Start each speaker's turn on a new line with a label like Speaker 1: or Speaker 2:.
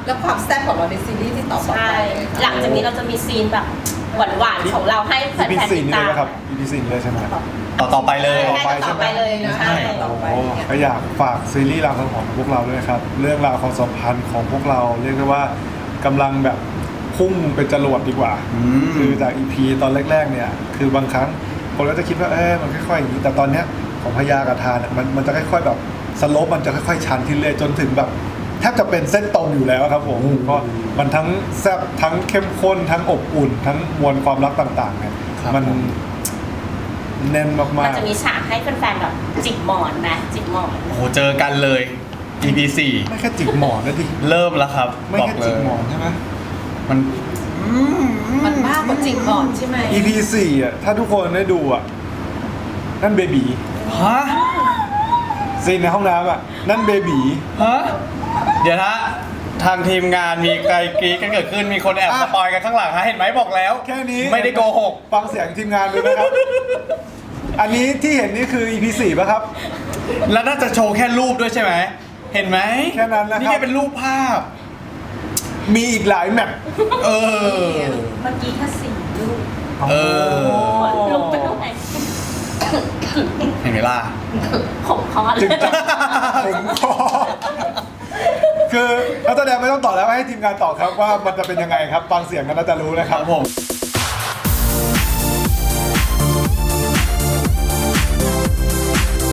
Speaker 1: แล้วความแซ่บของเราในซีรีส์ที่ต่อไป
Speaker 2: ใช่หลังจากนี้เราจะมีซีนแบบหวานๆของเราให้แฟ
Speaker 3: EP
Speaker 2: นๆติด
Speaker 3: 4นี่
Speaker 2: ตา
Speaker 3: เลย
Speaker 2: ม
Speaker 3: นะครับ EP 4เลยใช่ไหม
Speaker 4: ต่อไปเลย
Speaker 2: ต่อไปเลยนะ
Speaker 1: ใช่
Speaker 2: ใช่
Speaker 1: ต่อไป
Speaker 3: โอ้
Speaker 1: เนี่ย
Speaker 3: ก็อยากฝากซีรีส์รางสังหรณ์ของพวกเราด้วยครับ เรื่องราวความสัมพันธ์ของพวกเราเรียกได้ว่ากำลังแบบพุ่งเป็นจรวดดีกว่า คือจาก EP ตอนแรกๆเนี่ยคือบางครั้งคนก็จะคิดว่ามันค่อยๆอย่างนี้แต่ตอนเนี้ยของพญากับทานเนี่ยมันจะค่อยๆแบบสโลปมันจะค่อยๆชันขึ้นเรื่อยจนถึงแบบแทบจะเป็นเส้นตรงอยู่แล้วครับผมก็มันทั้งแซ่บทั้งเข้มข้นทั้งอบอุ่น ทั้งมวลความรักต่างๆเนี่ย
Speaker 4: ครับ
Speaker 3: มัน
Speaker 4: ผม
Speaker 3: แน่นมาก
Speaker 2: มันจะมีฉากให้แฟนๆแบบจิกหมอนนะจิกหมอน
Speaker 4: โอ้โหเจอกันเลย EP
Speaker 3: ๆไม่แค่จิกหมอนนะดิ
Speaker 4: 4เริ่มแล้วครับ
Speaker 3: ไม่
Speaker 4: บอก
Speaker 3: แค่
Speaker 4: เล
Speaker 3: จิก
Speaker 4: ย
Speaker 3: หมอนใช่ไหม
Speaker 4: มัน
Speaker 1: มันมากกว่าจิกหมอนใช่ไหม
Speaker 3: EP 4อ่ะถ้าทุกคนได้ดูอ่ะนั่นเบบี
Speaker 4: ฮะ
Speaker 3: ซีนในห้องน้ำอ่ะนั่นเบบี
Speaker 4: ฮะเดี๋ยวนะทางทีมงานมีไกลกรีดกันเกิดขึ้นมีคนแอบสปอยกันข้างหลังฮะเห็นไหมบอกแล้ว
Speaker 3: แค่นี้
Speaker 4: ไม่ได้โกหก
Speaker 3: ฟังเสียงทีมงานดูนะครับ อันนี้ที่เห็นนี่คือ EP 4ป่ะครับ
Speaker 4: แล้วน่าจะโชว์แค่รูปด้วยใช่ไหมเห็นไหม
Speaker 3: แค่นั้นนะครับ
Speaker 4: นี่แค่เป็นรูปภาพ
Speaker 3: มีอีกหลายแมป
Speaker 4: เออ
Speaker 2: เมื่อกี้แค่สี่ลูก
Speaker 4: เออ
Speaker 2: ลงไปตรงไหน
Speaker 4: เห็นไหมล่ะ
Speaker 2: ผมคอเล
Speaker 3: จึ
Speaker 2: ย
Speaker 3: งจะผมขอคือนักแสดงไม่ต้องตอบแล้วให้ทีมงานตอบครับว่ามันจะเป็นยังไงครับ ฟังเสียงกันน่าจะรู้นะค
Speaker 4: ค
Speaker 3: รั
Speaker 4: รับ บผม